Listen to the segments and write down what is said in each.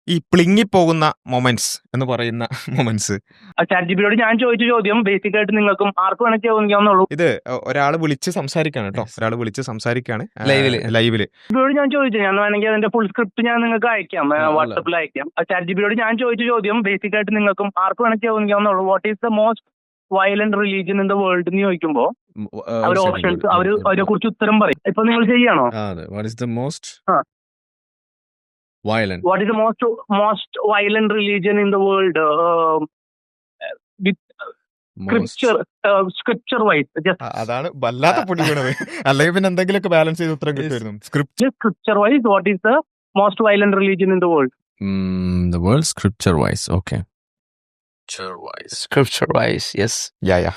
ഈ പ്ലിങ്ങിപ്പോകുന്ന മൊമെന്റ്സ് എന്ന് പറയുന്ന മൊമെന്റ്സ്. ചാറ്റ് ഞാൻ ചോദിച്ച ചോദ്യം ബേസിക് ആയിട്ട് നിങ്ങൾക്കും ആർക്കും വേണമെങ്കിൽ ചോദിക്കാവുന്നുള്ളൂ. ഇത് ഒരാള് വിളിച്ച് സംസാരിക്കാണ് കേട്ടോ, ഒരാള് വിളിച്ച് സംസാരിക്കാണ് ലൈവില്. ഞാൻ ചോദിച്ചു, ഞാൻ വേണമെങ്കിൽ അതിന്റെ ഫുൾ സ്ക്രിപ്റ്റ് ഞാൻ നിങ്ങൾക്ക് അയക്കാം, വാട്സപ്പിൽ അയക്കാം. ചാറ്റ് ഞാൻ ചോദിച്ച ചോദ്യം ബേസിക് ആയിട്ട് നിങ്ങൾക്കും ആർക്കും വേണമെങ്കിൽ ചോദിക്കാവുന്നുള്ളൂ. What is the most violent religion in the world എന്ന് ചോദിക്കുമ്പോ അവർ ഓപ്ഷൻസ് അവരെ കുറിച്ച് ഉത്തരം പറയും. ഇപ്പൊ നിങ്ങൾ ചെയ്യാണോ? What is the most violent? What is the most violent religion in the world? With scripture wise. അതാണ് വല്ലാത്ത പൊടി വീണത്. അല്ലെങ്കിൽ പിന്നെ എന്തെങ്കിലുമൊക്കെ ബാലൻസ് ചെയ്ത് ഉത്തരം കിട്ടുമായിരുന്നു. Scripture wise, what is the most violent religion in the world? The world scripture wise. Okay. Scripture wise. Yes. Yeah.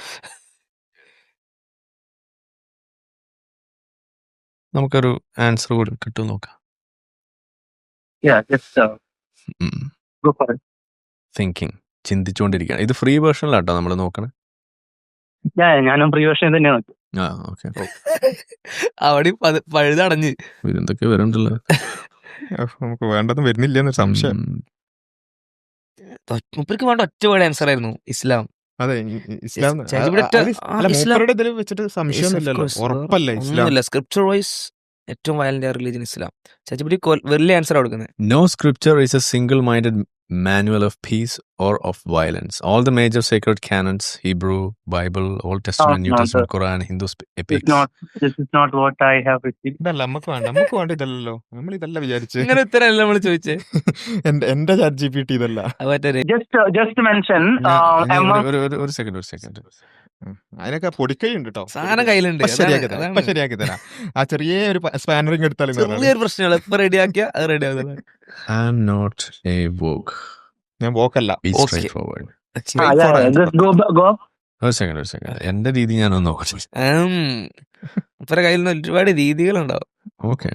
നമുക്കൊരു ആൻസർ കൂടി കിട്ടും നോക്കാം. Yeah, just go for it. Thinking, ചിന്തിച്ചുകൊണ്ടിരിക്കുകയാണ്. ഇത് ഫ്രീ വേർഷനിലാട്ടോ നമ്മൾ നോക്കണേ. ഞാനും ഫ്രീ വേർഷൻ തന്നെയാണ്. ഓക്കെ. അവിടെ പഴുതടഞ്ഞ് ഇതെന്തൊക്കെ വരണ്ടല്ലോ. നമുക്ക് വേണ്ടതും വരുന്നില്ല എന്നൊരു സംശയം. മുപ്പർക്ക് വേണ്ട ഒറ്റ വേർഡ് ആൻസർ ആയിരുന്നു ഇസ്ലാം. അതെ, ഇസ്ലാം. ഇതിൽ വെച്ചിട്ട് സംശയമൊന്നുമില്ലല്ലോ, ഉറപ്പല്ലേ ഇസ്ലാം. സ്ക്രിപ്ചർ വൈസ് ഏറ്റവും വയലന്റ് റിലീജിയൻ ഇസ്ലാം. ചാച്ചിപ്പിടി വലിയ ആൻസർ കൊടുക്കുന്നത്. No scripture is a single-minded manual of peace or of violence. All the major sacred canons, Hebrew, Bible, Old Testament, New Testament, Quran, Hindu epics. This is not what I have received. ഇതല്ല നമുക്ക് വേണ്ട ഇതല്ലോ, നമ്മൾ ഇതല്ല വിചാരിച്ചേ. ഇങ്ങനെ ഉത്തരമല്ല നമ്മൾ ചോദിച്ചേ. എന്റെ ചാറ്റ് GPT ഇതല്ല. Just mention ഒരു സെക്കൻഡ്. അതിനൊക്കെ പൊടിക്കൈയുണ്ട് കേട്ടോ, സാധനം കയ്യിലുണ്ട്. ശരിയാക്കി തരാം. ആ ചെറിയ ഒരു സ്പാനറിങ് എടുത്താലും ചെറിയൊരു പ്രശ്നങ്ങൾ ഇപ്പൊ റെഡിയാക്കിയ അത് റെഡി ആവുന്നത്. I'm not a woke. ഞാൻ വോക്കല്ല. Be straightforward. ഒരു സെക്കൻഡ്. എന്റെ രീതി ഞാനൊന്ന് നോക്കട്ടെ. ഇപ്പഴ കയ്യിൽ നിന്ന് ഒരുപാട് രീതികളുണ്ടാവും. ഓക്കെ,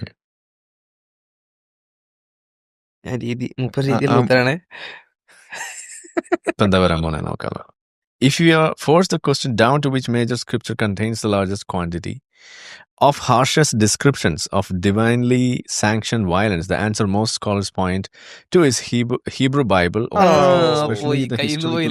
രീതി 30 രീതിയിൽ ഉത്തരാണ്. ഇപ്പൊ എന്താ പറയാൻ പോണേ നോക്കാം. If you are forced the question down to which major scripture contains the largest quantity of harshest descriptions of divinely sanctioned violence, the answer most scholars point to is Hebrew Bible, or especially the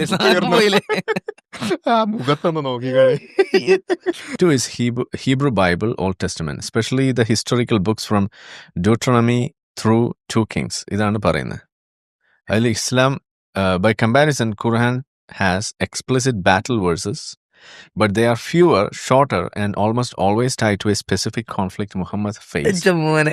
to is Hebrew Bible, Old Testament, especially the historical books from Deuteronomy through 2 Kings. ഇതാണ് പറയുന്നത്. അതിൽ Islam by comparison Quran has explicit battle verses, but they are fewer, shorter, and almost always tied to a specific conflict Muhammad faced.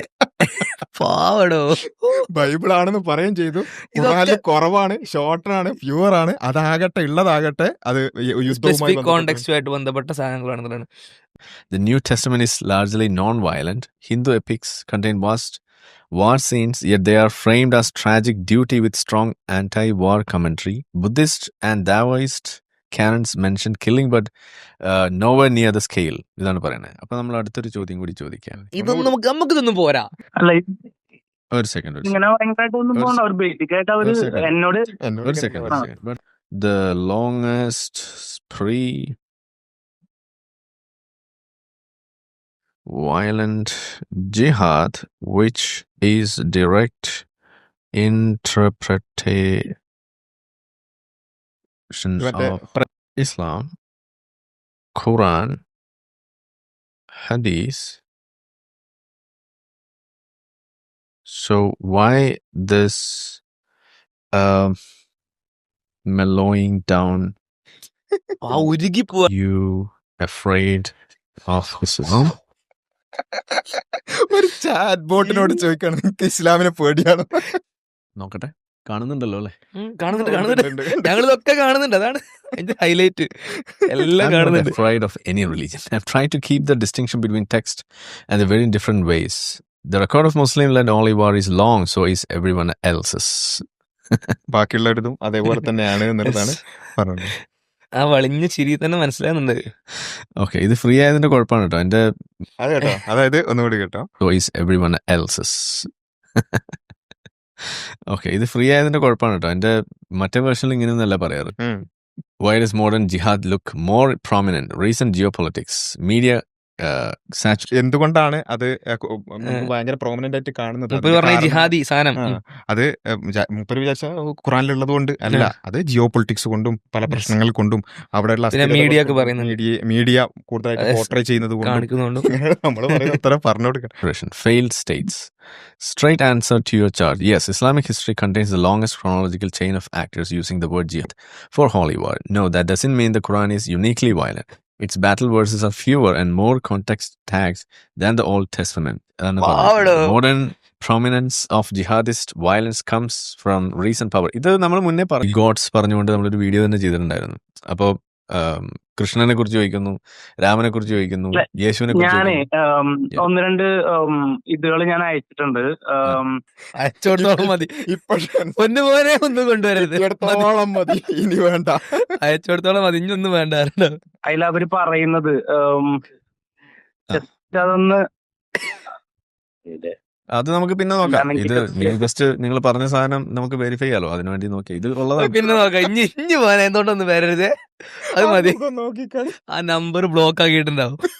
Bible ആണെന്ന് പറയുകയും ചെയ്തു. ഖുർആനിൽ കുറവാണ്, shorter ആണ്, pure ആണ്. അതാകട്ടെ ഉള്ളതാകട്ടെ അത് കോണ്ടെക്സ്റ്റുമായിട്ട് ബന്ധപ്പെട്ട സാധനങ്ങളാണ്. The New Testament is largely non-violent. Hindu epics contain vast war scenes, yet they are framed as tragic duty with strong anti-war commentary. Buddhist and Taoist canons mention killing, but nowhere near the scale. ഇതാണ് പറയുന്നത്. അപ്പൊ നമ്മൾ അടുത്തൊരു ചോദ്യം കൂടി ചോദിക്കാം. ഇതൊന്നും നമുക്കിതൊന്നും പോരാ. ഒരു second. But the longest violent jihad, which is direct interpretation of Islam, Quran, Hadith. So why this mellowing down? You afraid of Islam? ഒരു ചാറ്റ് ബോട്ടിനോട് ചോദിക്കണം നിങ്ങൾക്ക് ഇസ്ലാമിനെ പേടിയാണോ? നോക്കട്ടെ, കാണുന്നുണ്ടല്ലോ അല്ലേ? കാണുന്നുണ്ട്. ഞങ്ങളിതൊക്കെ കാണുന്നുണ്ട്. അതാണ് ഹൈലൈറ്റ്. എല്ലാം കാണുന്നുണ്ട്. Afraid of any religion. I've tried to keep the distinction between text and the very different ways. The record of Muslim-led holy war is long, so is everyone else's. ബാക്കിയുള്ളവരതും അതേപോലെ തന്നെയാണ് എന്നുള്ളതാണ് പറഞ്ഞത്. ആ വളിഞ്ഞ ചിരി തന്നെ മനസ്സിലാകുന്നുണ്ട്. ഓക്കെ, ഇത് ഫ്രീ ആയതിന്റെ കുഴപ്പമാണ് കേട്ടോ. എന്റെ അത് കേട്ടോ, അതായത് ഒന്നുകൂടി കേട്ടോ. So is everyone else's. Okay, ഇത് ഫ്രീ ആയതിന്റെ കുഴപ്പമാണ് കേട്ടോ. എന്റെ മറ്റേ വേർഷനിൽ ഇങ്ങനെയൊന്നല്ല പറയാറ്. Why does modern jihad look more prominent? Recent geopolitics, media എന്തുകൊണ്ടാണ് അത് നമുക്ക് ഭയങ്കര പ്രോമിനന്റ് ആയിട്ട് കാണുന്നത്? മുപ്പത് അതിന്റെ പറഞ്ഞ ഈ കാരണം ജിഹാദി സാധനം അത് മൂപ്പര് വിചാരിച്ച ഖുറാനിലുള്ളത് കൊണ്ട് അല്ല, അത് ജിയോ പൊളിറ്റിക്സ് കൊണ്ടും പല പ്രശ്നങ്ങൾ കൊണ്ടും അവിടെയുള്ള പിന്നെ മീഡിയ ഒക്കെ പറയുന്നുണ്ട് മീഡിയ കൂടുതലായിട്ട് പോർട്രേ ചെയ്യുന്നത് കൊണ്ടും കാണിക്കുന്നുണ്ട്. നമ്മൾ പറയുന്ന അത്ര പറഞ്ഞു കൊടുക്കണം. Failed states. Straight answer to your charge. Yes, Islamic history contains the longest chronological chain of actors using the word jihad for holy war. No, that doesn't mean the Quran is uniquely violent. Its battle verses are fewer and more context tags than the Old Testament. Modern prominence of jihadist violence comes from recent power. ഇത് നമ്മൾ മുന്നേ God's പറഞ്ഞുകൊണ്ട് നമ്മളൊരു video തന്നെ ചെയ്തിട്ടുണ്ടായിരുന്നു. അപ്പോൾ കൃഷ്ണനെ കുറിച്ച് ചോദിക്കുന്നു, രാമനെ കുറിച്ച് ചോദിക്കുന്നു, യേശുവിനെ കുറിച്ച് ഞാനേ ഒന്ന് രണ്ട് ഇതുകൾ ഞാൻ അയച്ചിട്ടുണ്ട്. അയച്ചോടത്തോളം മതി. ഒന്ന് പോലെ ഒന്നും കൊണ്ടുവരരുത്. മതി, ഇനി വേണ്ട. അയച്ചോടത്തോളം മതി, ഇനി ഒന്നും വേണ്ട. അതിൽ അവര് പറയുന്നത് അതൊന്ന് അത് നമുക്ക് പിന്നെ നോക്കാം. ഇത് ജസ്റ്റ് നിങ്ങൾ പറഞ്ഞ സാധനം നമുക്ക് വെരിഫൈ ചെയ്യാലോ, അതിനുവേണ്ടി നോക്കി ഇത് ഉള്ളതാണ്. പിന്നെ നോക്കാം. ഇനി പോകാൻ എന്തുകൊണ്ടൊന്നും വരരുത്, അത് മതി. ആ നമ്പർ ബ്ലോക്ക് ആക്കിയിട്ടുണ്ടാവും.